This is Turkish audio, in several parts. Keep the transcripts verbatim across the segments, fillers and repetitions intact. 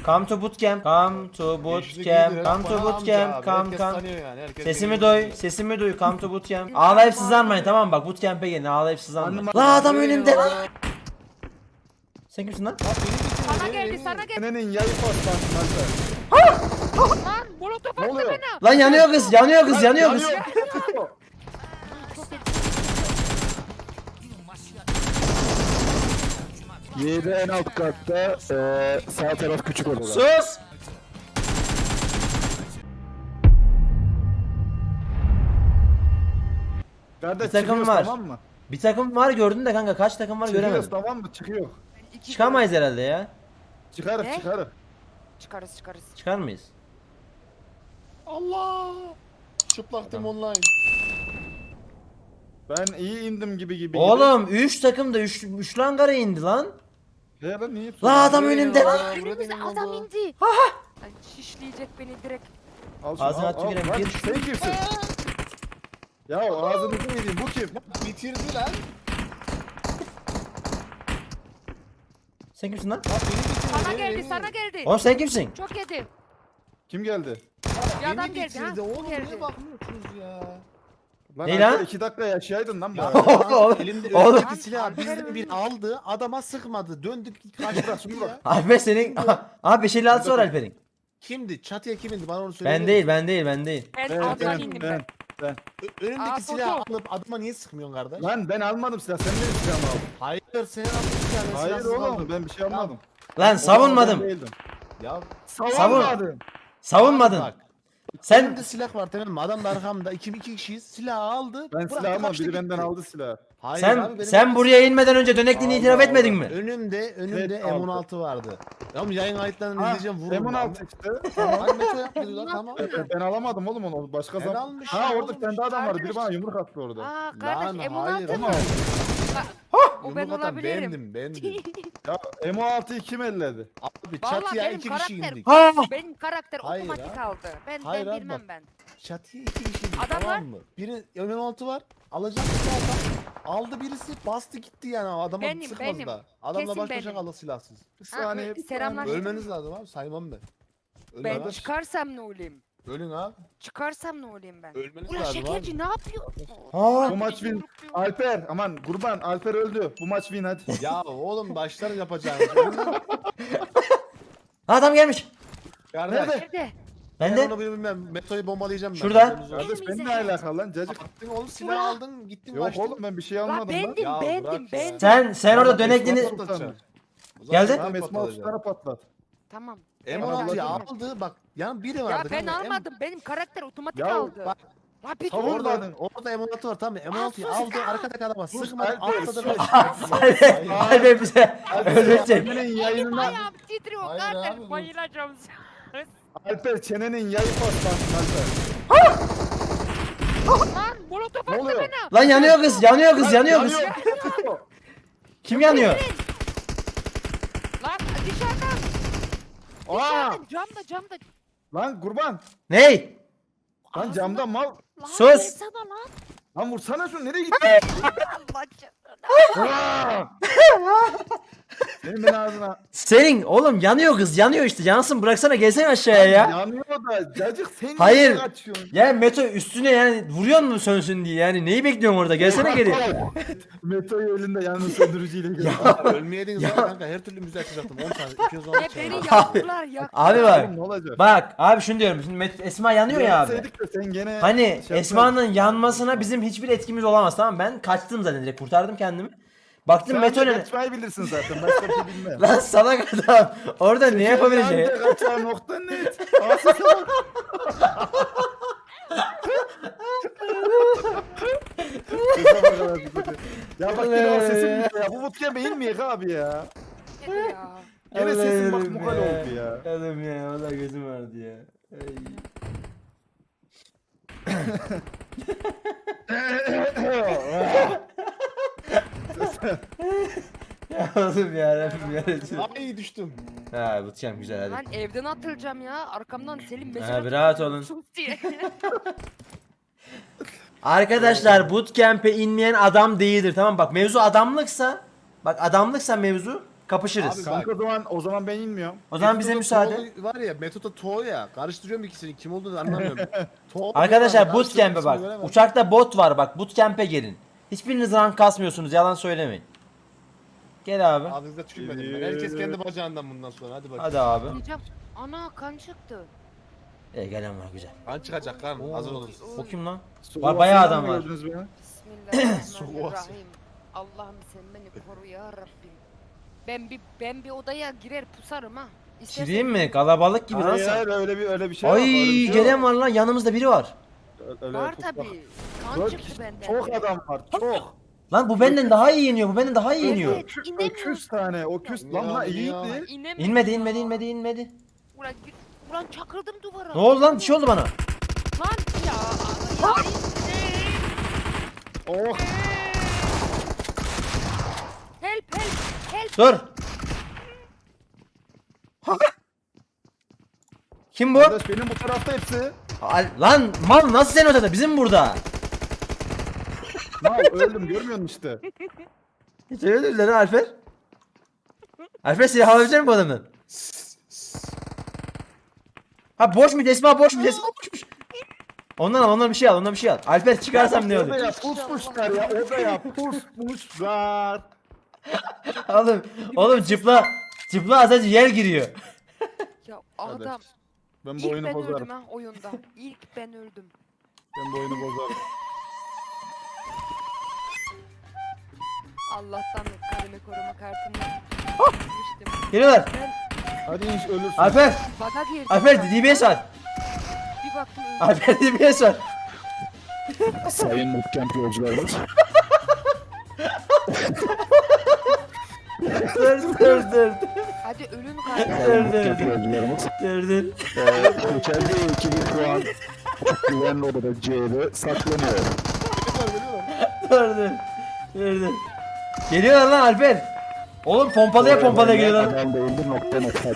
Come to bootcamp. Come to bootcamp. Come to bootcamp. Come come. Yani. Sesimi duy, sesimi duy. Come to bootcamp. Ağlayıp sızlanmayın, tamam mı? Bak bootcamp'e gelin, ağlayıp sızlanmayın. La adam önümde lan. Sen kimsin lan? Sana geldi, sana geldi. Senenin yayı patlattı. Lan molotof Ne attı oluyor? bana. Lan yanıyor kız, yanıyor kız, yanıyor kız. Yedi en alt katta, eee sağ taraf küçük odada. Sus. Kardeş Bir takım çıkıyoruz, var. tamam mı? Bir takım var gördün de kanka, kaç takım var Çıkıyoruz göremedim. tamam mı? Çıkıyor. İki Çıkamayız herhalde ya. Çıkarır Ne? çıkarır. Çıkarız çıkarız. Çıkar mıyız? Allah. Çıplaktım online. Ben iyi indim gibi gibi. Oğlum üç takım da üç üç langara indi lan. Gibi. Ya ben niye? La adam önümde lan. Önümüze adam indi. Ay, şişleyecek beni direkt. Al şunu, Ağzına al, tüküreyim, al. Lan gir. Sen kimsin? Ya ağzını yediğim bu kim? Bitirdi lan. Sen kimsin lan? Sana geldi, sana geldi. Oğlum sen kimsin? Çok yedi. Kim geldi? Bir adam Beni geldi ha. bitirdi oğlum, Bu geldi. niye bakmıyorsunuz ya? Lan Ne Alper, lan? iki dakika yaşayaydın lan Ya bari. Oğlum, elimde oğlum. önündeki silahı bizden bir aldı, adama sıkmadı, döndük karşılaştık ya. Alper senin... Abi beş elli altısı var Alper'in. Kimdi? Çatıya kim indi? Bana onu söyle. Ben değil, ben değil, ben değil. Ben Ben, alttan ben, indim ben, ben. ben. Ö- Önündeki Aa, silahı foto. alıp adama niye sıkmıyorsun kardeş? Lan ben almadım silah. Sen benim silahımı aldın. Hayır, sen aldın silahı. ben Hayır silahsız oğlum aldım. ben bir şey almadım. Lan Ben savunmadım. değildim. Ya Savunmadım. Savunmadın. bak. Sen Elimde silah var tamam mı? Adam da arkamda. İki, iki kişiyiz. Silahı aldı. Ben bıraktı, silah almadım. kaçtı Biri benden gitti. aldı silahı. Hayır sen abi, benim sen elimde buraya inmeden önce dönekliğini Allah itiraf etmedin Allah. mi? Önümde, önümde Evet, M on altı vardı. Tamam yayın kayıtlarını Ha, izleyeceğim vururum. M on altı lan. işte. Tamam Meto yaptı lan tamam. Ben, ben alamadım oğlum onu. Başka Ben zaman. almış Ha ya, orada oğlum, bir tane daha adam vardı. Biri kardeş. bana yumruk attı orada. Aa Lan, kardeş M on hayır, altı mı? ama- O ben Yumruk atan olabilirim. bendim, bendim. Ya M on altı'yı kim elledi? Abi Vallahi çatıya benim iki kişi karakter- indik. Ha! Benim karakter Hayır otomatik ha. aldı. Ben Hayır ben abi, bilmem bak. ben. Çatıya iki kişi indik Adamlar- tamam mı? Biri M on altı var. Alacak bir adam. Aldı birisi bastı gitti yani adama Benim, sıkmadı benim. da. Adamla Kesin baş başa benim. kaldı silahsız. Bir Ha, saniye. bir selamlar. saniye. Ölmeniz lazım abi saymam ben. Ölün Ben abi. çıkarsam ne olayım? Ölün abi. Çıkarsam ne olayım ben? Ölmeniz Ulan lazım abi. şekerci ne yapıyor? Ha! Bu maç win. Alper aman kurban Alper öldü. Bu maç win hadi. Ya oğlum başlarım yapacağınız. Ölün lan. Adam gelmiş. Kardeş. Nerede? Nerede? Ben Ben de. onu bilmem. Metoyu bombalayacağım ben. Şurada. Haberiniz olsun. Kardeş ben ne alakalı lan cacık? Attın oğlum silah aldın gittin Yok kaçtın. oğlum ben bir şey Lan almadım lan. bendim Ya bendim bırak ya. bendim. Sen sen orada Esma dönekliğini patlatacağım. Geldi. Tamam Esma otuz tane patlat. Tamam. M Ben on altıyı aldım. aldı bak yan biri Ya vardı. ben kanka, M- almadım. Benim karakter otomatik Ya aldı. bak, La bir dur. savun- Orada, orada M on altı var tamam mı? M on altıyı Aa, sus aldı ya. arkadaki adama Sus, sıkmadı Alper, atladı sus. kaçtı. Alper, Alper bize öldürecek. Senenin Elim yayınına ayağım titriyor Hayır kardeş abi, bu- bayılacağım. Alper çenenin yayı patlattı Alper. Lan molotof Ne attı oluyor? bana. Lan yanıyor kız, yanıyor kız, yanıyor kız. Yanıyor. Kim yanıyor? Lan dışarıdan. Aa! Dışarıdan camda camda. Lan kurban. Ney? Lan Ağzına- camdan mal. Lan Sus. vursana lan. Lan vursana şunu nereye gitti? Allah canına. Aa! Senin beni ağzına. Senin oğlum yanıyor kız, yanıyor işte. Yansın, bıraksana, gelsene aşağıya ya. Yanıyor da cacık sen Hayır. niye kaçıyorsun? Ya Meto üstüne yani vuruyor mu sönsün diye yani neyi bekliyorsun orada, gelsene geri. Meto'yu elinde yalnız söndürücüyle gördüm. Ölmeyeydiniz ya kanka her türlü müze açacaktım on tane iki yüz on Ne beni yaktılar yaktılar. Abi bak, Oğlum ne olacak? bak abi şunu diyorum, şimdi Met- Esma yanıyor ya abi. Yapsaydık da sen gene Hani şey Esma'nın yapardın. yanmasına bizim hiçbir etkimiz olamaz, tamam mı? Ben kaçtım zaten, direkt kurtardım kendimi. Baktım Sen Meto de ne? kaçmayı bilirsin zaten. Başka bir şey bilmem. Lan salak adam. Orada ne yapabileceği? Sen de kaçağı nokta net. Asıl salak. Sese bak abi, sese. Ya bak yine o sesim gitti ya. Bu bootcamp'e inmeyek abi ya. Ne ya? Gene sesim bak Allah'ım mukal oldu ya. Oğlum ya, valla gözüm vardı ya. Ay. Ya oğlum ya Rabbim ya Resulallah. Ay düştüm. Ha bootcamp güzel hadi. Lan evden atılacağım ya. Arkamdan Selim mesaj Ha, bir atıyor. rahat olun. Sus diye. Arkadaşlar bootcamp'e inmeyen adam değildir, tamam mı? Bak mevzu adamlıksa, bak adamlıksa mevzu kapışırız. Abi Kanka o zaman o zaman ben inmiyorum. O zaman bize Metoda müsaade. Toğ var ya Metoda Toğ ya. Karıştırıyorum ikisini. Kim olduğunu anlamıyorum. Toğ Arkadaşlar diyorlar, bootcamp'e karıştırıyorum, bak. ismini veremem. Uçakta bot var bak. Bootcamp'e gelin. Hiçbiriniz rank kasmıyorsunuz. Yalan söylemeyin. Gel abi. Ağzınıza tükürmedim ben. Herkes kendi bacağından bundan sonra. Hadi bak. Hadi abi. Diyeceğim. Ana kan çıktı. E gelen var güzel. Kan çıkacak kan. Hazır olun. O kim lan? Sokak Var, bayağı sesini adam var. gördünüz beni. Bismillahirrahmanirrahim. Allah'ım sen beni koru ya Rabbim. Ben bir ben bir odaya girer pusarım ha. İstersen- Gireyim mi? Kalabalık gibi Hayır nasıl? hayır öyle bir öyle bir şey yok. Ay öyle bir şey gelen yok. var lan, yanımızda biri var. Öyle Var tutmak. tabii. Kan Çok- çıktı benden. Çok adam var çok. Lan bu benden daha iyi iniyor. Bu benden daha iyi iniyor. Evet, inemiyorum. Öküz tane o küs lan Ya, lan ya. iyiydi. İnemiyorum İnmedi ya. inmedi inmedi inmedi. Ulan, gir- ulan çakıldım duvara. Ne oldu lan? Bir şey oldu bana. Lan ya. ya. Oh Help help help. Dur. Kim bu? kardeş benim bu tarafta hepsi. Al- Lan mal nasıl sen ortada? Bizim burada. Mal öldüm görmüyor musun işte. Hiç öyle değil lan Alper. Alper silah alabilecek mi bu adamın? Ha boş mu? Esma boş mu? Esma boşmuş. Ondan al, ondan bir şey al, ondan bir şey al. Alper çıkarsam ne olur? Odaya pusmuşlar ya odaya pusmuşlar. Oğlum, oğlum cıpla, cıpla az önce yer giriyor. Ya adam. Ben bu İlk oyunu ben bozarım. öldüm ha oyunda. İlk ben öldüm. Ben bu oyunu bozarım. Allah'tan karımı koruma kartımı Ah! almıştım. Geliyorlar. Ben Hadi inş ölürsün. Alper, baga girdim. Alper D B S var. Bir baktım öldüm. Alper D B S var. Sayın bootcamp yolcularımız. Dur dur dur. Hadi ölün Dur kardeşim. dur dur. yolcularımız. Dur dur. Geçerli iki bin puan. Güvenli odada C'de saklanıyor. Dur dur. Dur dur. Geliyorlar lan Alper. Oğlum pompalıya pompalıya geliyorlar. Adam değildir nokta nokta.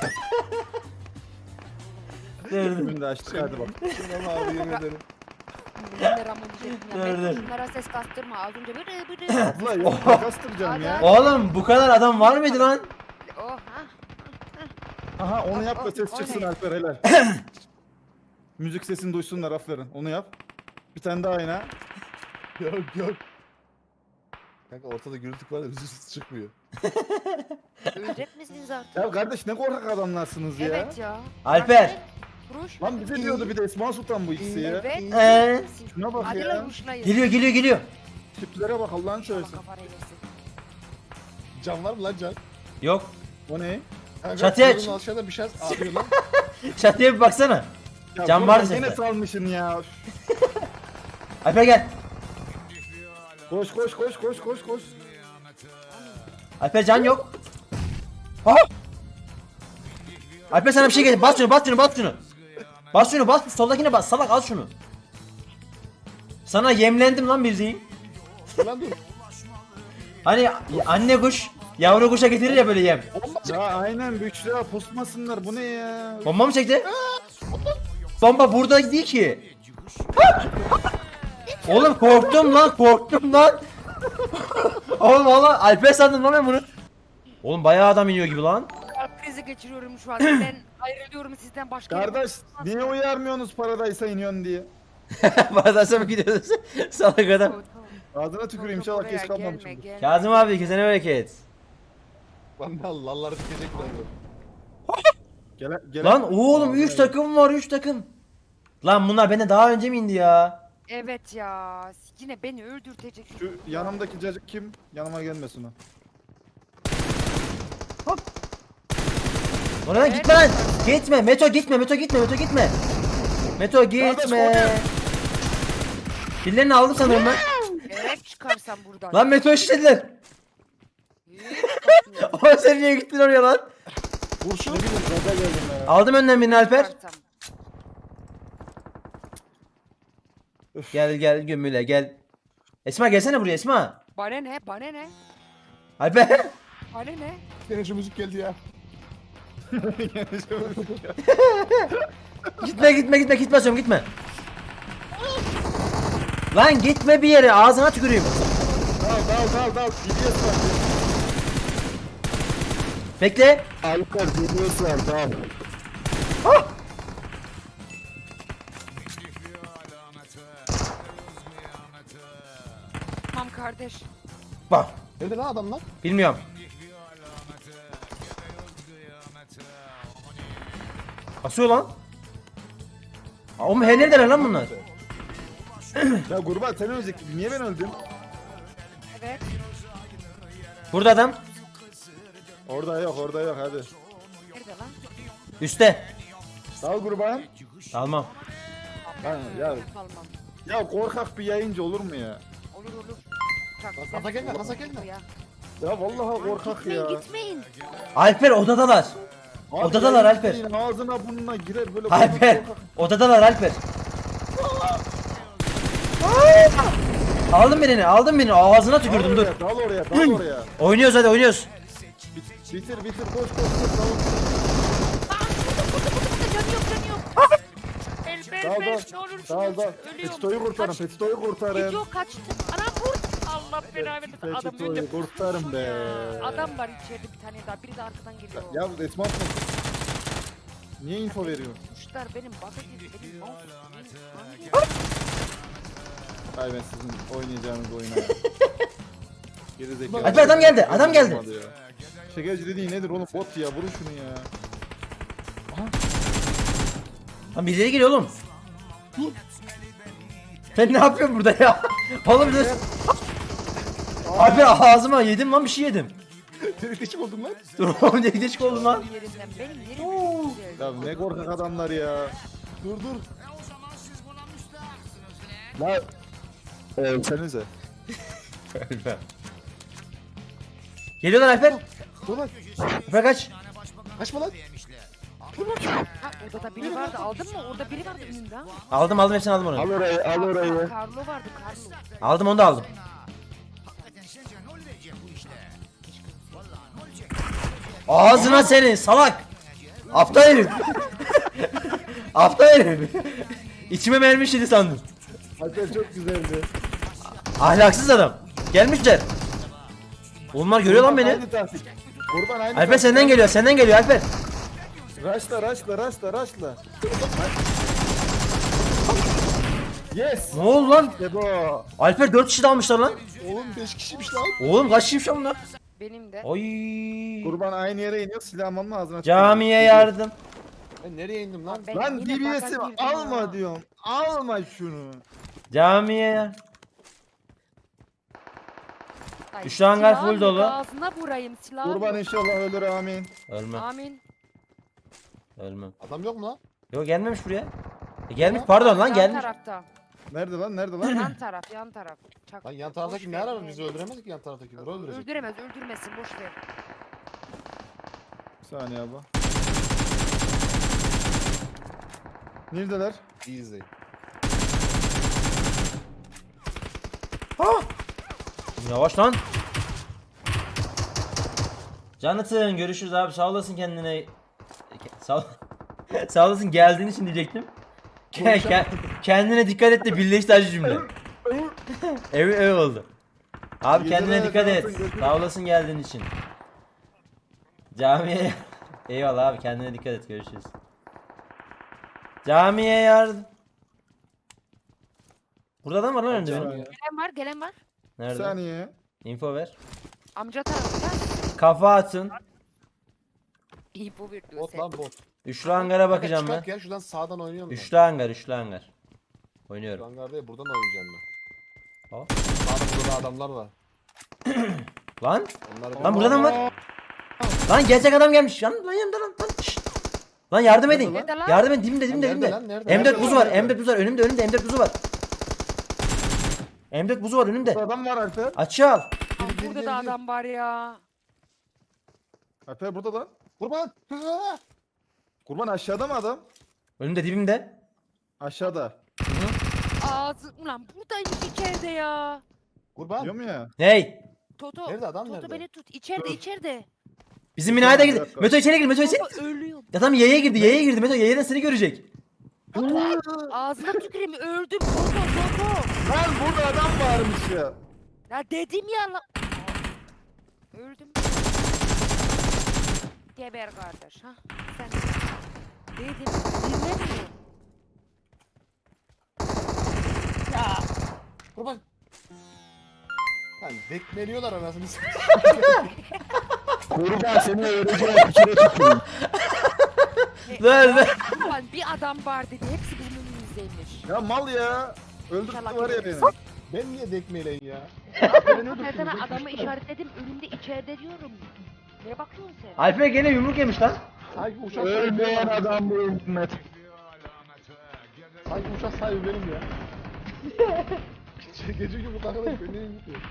Dur dur. Şimdi de açtık hadi bak. Ama abi yemin ederim. Bunlar ama diyecektim ya. Dur, Ben dur. şunlara ses kastırma. Az önce bırı bırı. Abla yok kastıracağım ya. Oğlum bu kadar adam var mıydı lan? Oh ha. Aha onu yap da O- ses o çıksın ne? Alper helal. Müzik sesini duysunlar aferin. Onu yap. Bir tane daha yine. Yok yok. Kanka ortada gürültü var da bizim ses çıkmıyor. Ölecek misiniz artık? Ya kardeş ne korkak adamlarsınız ya. Evet ya. Alper. Ruş. Lan bize diyordu bir de Esma Sultan bu ikisi ya. Evet. Ee? Şuna bak Hadi ya. lan ruşlayın. Geliyor geliyor geliyor. Tiplere bak Allah'ın Allah şöylesin. kafanı yesin. Can var mı lan can? Yok. O ne? Kanka, Çatıya kuyruğun aşağıda bir şey ağrıyor lan. Çatıya bir baksana. Ya Can dur var lan, sende. Yine salmışsın ya. Alper gel. Koş koş koş koş koş koş. Alper can yok. Ha! Alper sana bir şey getir. Bas şunu, bas şunu, bas şunu. Bas şunu, bas. Soldakine bas. Salak al şunu. Sana yemlendim lan bildiğin. Lan dur. Hani anne kuş yavru kuşa getirir ya böyle yem. Ya aynen büyükçüler pusmasınlar bu ne ya? Bomba mı çekti? Bomba burada değil ki. Oğlum korktum lan, korktum lan. Oğlum valla Alper sandım lan ben bunu. Oğlum bayağı adam iniyor gibi lan. Kalp krizi geçiriyorum şu an. Ben ayrılıyorum sizden başka yere- Kardeş niye uyarmıyorsunuz paradaysa iniyorsun diye? Paradaysa mı gidiyoruz? Salak adam. Tamam, tamam. Ağzına tüküreyim Yok, inşallah oraya geç kalmamışım. gelme, gelme. Kazım abi kesene bereket. Lan lalları dikecek lan. Gele, gele. Lan oğlum üç takım var üç takım. Lan bunlar benden daha önce mi indi ya? Evet ya. Yine beni öldürtecek. Şu yanımdaki cacık kim? Yanıma gelmesin o. Oradan Evet. gitme lan. Gitme. Meto gitme. Meto gitme. Meto gitme. Meto gitme. Pillerini aldım sanırım ben. Gerek çıkarsam buradan. Lan Meto işlediler. Hiç bakmıyorum. Ama sen niye gittin oraya lan? Kurşun. Ne bileyim gaza geldim ya. Aldım önden birini Alper. Çıkarsam. Gel gel gömüle gel. Esma gelsene buraya Esma. Bana ne? Bana ne? Alper. Bana ne? Yine şu müzik geldi ya. Gitme gitme gitme git basıyorum gitme. Lan gitme bir yere ağzına tüküreyim. Dal dal dal dal. Gidiyorsun bak. Bekle. Alper D B S var tamam. Tamam kardeş. Bak. Nerede lan adamlar? Bilmiyorum. Basıyor lan. Aa, oğlum her neredeler lan bunlar? Ya kurban sen ölecektin. Niye ben öldüm? Evet. Burada adam. Orada yok orada yok hadi. Nerede lan? Üste. Dal kurban. Almam. Lan ya, Kalmam. ya korkak bir yayıncı olur mu ya? Olur olur. Çok Kasa güzel. gelme, kasa gelme. Ya. Ya vallahi korkak Gitmeyin ya. gitmeyin. Alper odadalar. Abi Odadalar yayıncı Alper. değil, ağzına burnuna girer böyle Alper. korkak korkak. Odadalar Alper. Aldım birini, aldım birini. Ağzına Dal tükürdüm dur. oraya, dal oraya, dal oraya. Oynuyoruz hadi oynuyoruz. Bit- Bitir bitir koş koş koş dal. Canı yok canı yok. El Dal ver dal. ver ne olursun. Dal dal. Ölüyorum. Petito'yu kurtarın, Kaç- Petito'yu kurtarın. Gidiyor kaçtı. Ana vur. Allah belanı versin. Adam önce Petito'yu kurtarın be. Adam var içeride bir tane daha. Biri de arkadan geliyor. Ya Esma mı? Niye info veriyorsun? Kuşlar benim baka girdi. Benim mouse. Ay ben sizin oynayacağınız oyuna ya. Gerizekalı. Alper, adam geldi, adam geldi. Olmadı ya. Şekerci dediğin nedir oğlum? Bot ya, vurun şunu ya. Lan birileri geliyor oğlum. Sen ne yapıyorsun burada ya? Oğlum dur. Alper ağzıma yedim lan bir şey yedim. Delikleşik oldum lan. Dur oğlum ne geçik oldum lan. Yerinden benim yerim çok güzel. Ya ne korkak adamlar ya. Dur dur. La. Ölsenize. Geliyorlar Alper. Dur lan. Alper kaç. Kaçma lan. Ha, orada da biri vardı. Aldın mı? Orada biri vardı önünde. ha. Aldım aldım hepsini aldım onu. Al orayı, al orayı. Carlo vardı Carlo. Aldım onu da aldım. Ağzına senin salak. Aptal herif. Aptal herif. İçime mermi işledi sandım. Alper çok güzeldi. Ahlaksız adam. Gelmişler. Onlar görüyor lan beni. Aynı taktik. Kurban aynı Alper taktik. senden geliyor, senden geliyor Alper. Raşla, raşla, raşla, raşla. Yes. Ne oldu lan? İşte bu. Alper dört kişi de almışlar lan. Oğlum beş kişiymiş lan. Oğlum kaç kişiymiş lan bunlar? Benim de. Oy. Kurban aynı yere iniyor, silahımın ağzına Camiye yardım. Ben nereye indim lan? Ben Lan yine D B S'i baka girdim alma ya. diyorum. Alma şunu. Camiye yardım. Ay, Üç hangar silahın full dolu. Ağzına vurayım silahı. Kurban inşallah ölür amin. Ölmem. Amin. Ölmem. Adam yok mu lan? Yok gelmemiş buraya. E, gelmiş pardon lan Yan gelmiş. tarafta. Nerede lan, nerede lan? Yan taraf, yan taraf. Çak. Lan yan taraftaki ne arar bizi öldüremez ki yan taraftakileri öldürecek. Öldüremez, öldürmesin boş ver. Bir saniye abi. Neredeler? Easy. Yavaş lan. Jonathan görüşürüz abi sağ olasın kendine. Sağ Sağ olasın geldiğin için diyecektim. Ke- ke- kendine dikkat et de birleşti acı cümle. ev ev oldu. Abi Geceler kendine dikkat et. Jonathan, görüşürüz. Sağ olasın geldiğin için. Camiye eyvallah abi kendine dikkat et görüşürüz. Camiye yardım. Burada adam var lan önce benim. Saniye. Gelen var, gelen var. Bir Nerede? saniye. Info ver. Amca tarafta. Kafa atın. İyi bu bir diyor Bot sen. lan bot. Üçlü hangara bakacağım ben. Çıkart ya şuradan sağdan oynuyorum ben. Üçlü hangar, üçlü hangar. Şu Oynuyorum. hangar değil buradan oynayacağım ben. Hop. Sağda burada da adamlar var. Lan, Onları lan burada adam var. Lan gerçek adam gelmiş. Lan lan yanımda lan. Lan, şşt. Lan yardım edin. Nerede lan? Yardım edin dibimde dibimde Nerede dibimde. lan, nerede? M dört Nerede buzu lan, var. nerede? M dört buzu var. Önümde önümde M dört buzu var. M dört buzu var önümde. Burada adam var Alper. Açığı al. Aa, Gir, gir, burada gir, da gir. adam var ya. Alper burada lan. Kurban. Kurban aşağıda mı adam? Önümde dibimde. Aşağıda. Ağzı ulan buradaymış içeride ya. Kurban. Diyorum ya. Hey. Toto. Nerede adam, Toto nerede? beni tut. İçeride Dur. içeride. Bizim binaya da Bir girdi. dakika. Meto içeri gir. Meto içeri. Toto ölüyor. Adam yaya girdi. Yaya girdi. Meto yayadan seni görecek. Ağzına tüküreyim öldüm. Toto Toto. Lan burada adam varmış ya. Ya dedim ya lan. Öldüm. geber kardeş ha. Sen dedim dinlemiyor. Ya. Kurban. Lan dekmeliyorlar anasını s***. Kurban seni öğreneceğim. Bir kere tutayım. Dur dur. Ulan bir adam var dedi. Hepsi bizim önümüzdeymiş. Ya mal ya. Öldürdü İnşallah var ya görürüz. beni. Ben niye dekmeleyin ya? Ben sana adamı işaretledim. Önümde içeride diyorum. Ne bakıyorsun sen? Alper gene yumruk yemiş lan. Sanki uçak Ölmeyen sahibi adam bu ümmet. Sanki uçak sahibi benim ya. Gece, gece gibi takılıp beni gidiyor.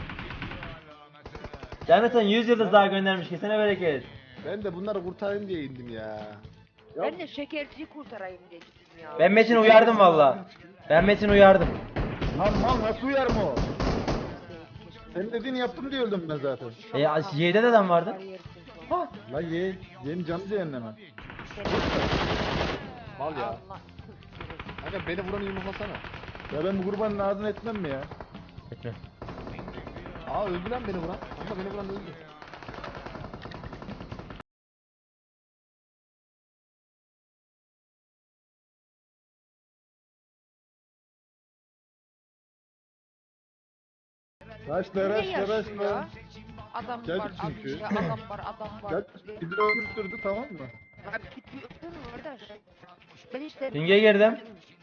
Jonathan yüz yıldız daha göndermiş. Kesene bereket. Ben de bunları kurtarayım diye indim ya. Ya Ben de şekerciyi kurtarayım diye gittim ya. Ben Metin'i uyardım valla. Ben Metin'i uyardım. Lan mal nasıl uyar mı o? Senin dediğini yaptım diye öldüm ben zaten. E ya, Y'de de adam vardı. La ye, yeni canlı cehenneme. mal ya. Allah. Kanka beni vuranı yumruklasana. Ya ben bu kurbanın ağzını etmem mi ya? Etme. Aa öldü lan beni vuran. Kanka beni vuran öldü. Raşla Ne raşla yaşıyor? raşla. Adam Gel var, çünkü. adam, adam var, adam var. Gel bizi öldürdü tamam mı? Abi git bir öpür mü kardeş? Ben işte... Ping'e girdim.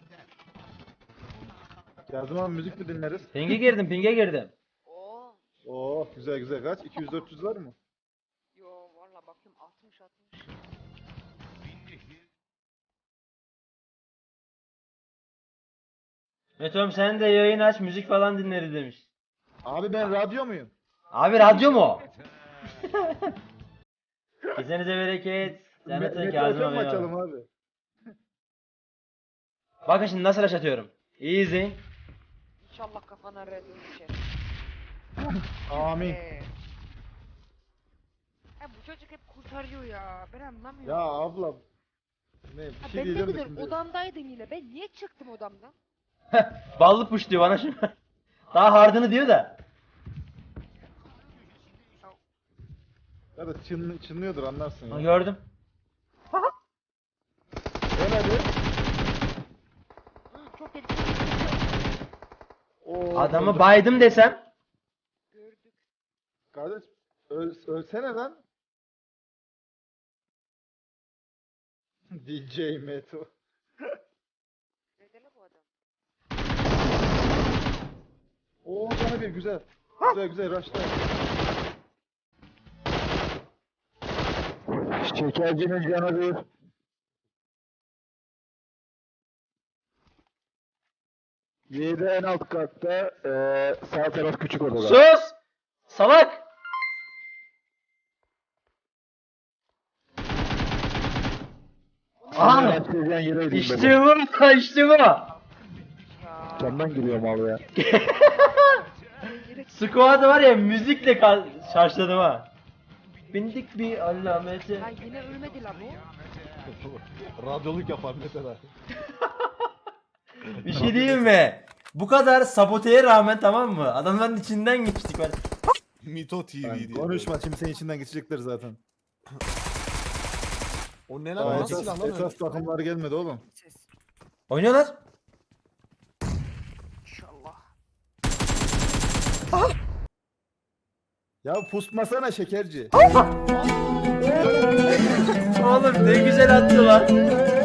Yazım abi müzik mi dinleriz? Ping'e girdim, ping'e girdim. Oo. Oo güzel güzel kaç? iki yüz dört yüz var mı? Yo valla bakıyorum altmış altmış. Metom sen de yayın aç, müzik falan dinleriz demiş. Abi ben radyo muyum? Abi radyo mu o? Kesenize bereket. Jonathan Me- Kazım Metal abi. açalım eyvallah. abi. Bakın şimdi nasıl rush atıyorum. Easy. İnşallah kafana red düşer. Amin. Ee. Ya bu çocuk hep kurtarıyor ya. Ben anlamıyorum. Ya ablam. Ne bir Ha, şey ben de diyeceğim de güzel şimdi. odamdaydım yine. Ben niye çıktım odamdan? Ballı push diyor bana şimdi. Daha hardını diyor da. Ya da çın, çınlıyordur anlarsın Ha, ya. gördüm. Gel hadi. Hı, çok tehlikeli. Oo, Adamı öldüm. baydım desem. Gördük. Kardeş öl, ölsene lan. D J Meto. Nedeni bu adam? Oo sana bir güzel. Güzel güzel raşla. Şekercinin canı bir. Yedi en alt katta, eee sağ taraf küçük odada. Sus! Salak! Aha! Raşlayacağın yere gideyim İşte bu, işte bu. Ya. Camdan giriyorum abi ya. Squad'ı var ya müzikle ka- şarjladım ha. Bindik bir alamete. Ya yine ölmedi la bu. Radyoluk yapar mesela. Bir şey diyeyim mi? Bu kadar saboteye rağmen tamam mı? Adamların içinden geçtik. Ben... Mito T V Ben diye. konuşma şimdi senin içinden geçecekler zaten. O ne Daha lan? Nasıl esas, silah lan öyle? esas takımlar gelmedi oğlum. Ses. Oynuyorlar. İnşallah. Ya pusmasana şekerci. Oğlum ne güzel attı lan.